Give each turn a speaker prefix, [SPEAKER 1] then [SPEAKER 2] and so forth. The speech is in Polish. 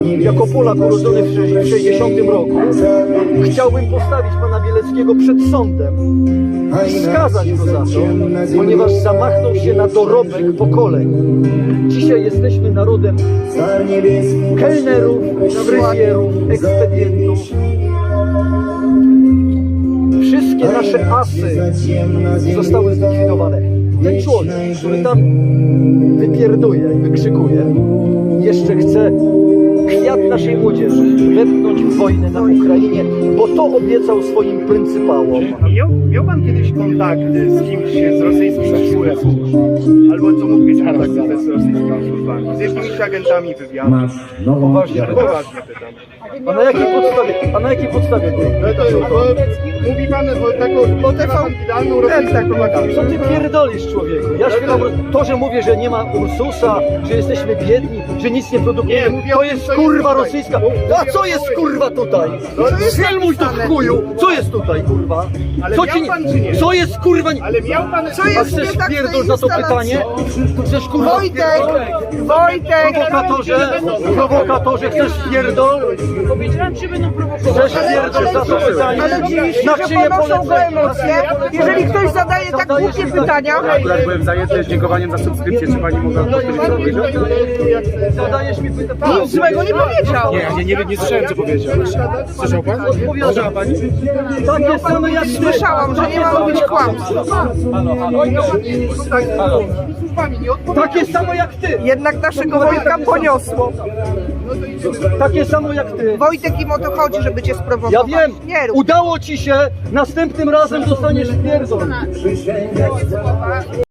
[SPEAKER 1] Jako Polak urodzony w 60 roku chciałbym postawić pana Bieleckiego przed sądem i skazać go za to, ponieważ zamachnął się na dorobek pokoleń. Dzisiaj jesteśmy narodem kelnerów, fryzjerów, ekspedientów. Wszystkie nasze asy zostały zlikwidowane. Ten człowiek, który tam wypierduje, wykrzykuje, jeszcze chce kwiat naszej młodzieży wepchnąć w wojnę na Ukrainie, bo to obiecał swoim pryncypałom.
[SPEAKER 2] Miał pan kiedyś kontakty z kimś z rosyjskich służb? Albo co mógł mieć kontakt z rosyjskimi służbami? Z jakimiś agentami wywiadu?
[SPEAKER 1] Poważnie
[SPEAKER 2] pytam.
[SPEAKER 1] A na jakiej podstawie?
[SPEAKER 2] Mówi pan o taką idealną rosyjską propagandę.
[SPEAKER 1] Co ty pierdolisz, człowieku? Ja śpiewam to, że mówię, że nie ma Ursusa, że jesteśmy biedni, że nic nie produkujemy. To jest kurwa rosyjska. A co jest kurwa tutaj? Filmuj to w chuju! Co jest tutaj kurwa? Co jest kurwa?
[SPEAKER 2] Ale miał pan...
[SPEAKER 1] A chcesz pierdol za to pytanie? Chcesz kurwa
[SPEAKER 3] Wojtek!
[SPEAKER 1] Prowokatorze, chcesz pierdol?
[SPEAKER 4] Powiedziałem, że będą prowokować.
[SPEAKER 1] Chcesz pierdol za to pytanie?
[SPEAKER 3] Ale dziwisz
[SPEAKER 1] Na
[SPEAKER 3] się, że
[SPEAKER 1] czyje
[SPEAKER 3] ponoszą go emocje. Jeżeli ktoś zadaje tak
[SPEAKER 1] Zadajesz
[SPEAKER 3] głupie
[SPEAKER 1] mi
[SPEAKER 3] pytania,
[SPEAKER 5] Akurat byłem zajęty dziękowaniem za subskrypcję, czy pani mogła powiedzieć?
[SPEAKER 1] Zadajesz mi pytanie.
[SPEAKER 3] nic złego nie powiedział.
[SPEAKER 5] Nie słyszałem, co powiedział. Słyszał pan?
[SPEAKER 1] Odpowiada pani. Takie same jak
[SPEAKER 3] Słyszałam, że nie ma mówić kłamstw.
[SPEAKER 1] Takie samo jak ty.
[SPEAKER 3] Jednak naszego Wojtka poniosło.
[SPEAKER 1] Takie samo jak ty.
[SPEAKER 3] Wojtek, im o to chodzi, żeby cię
[SPEAKER 1] Ja
[SPEAKER 3] sprowokować.
[SPEAKER 1] wiem,
[SPEAKER 3] Nie rób.
[SPEAKER 1] udało ci się, następnym razem dostaniesz pierdol.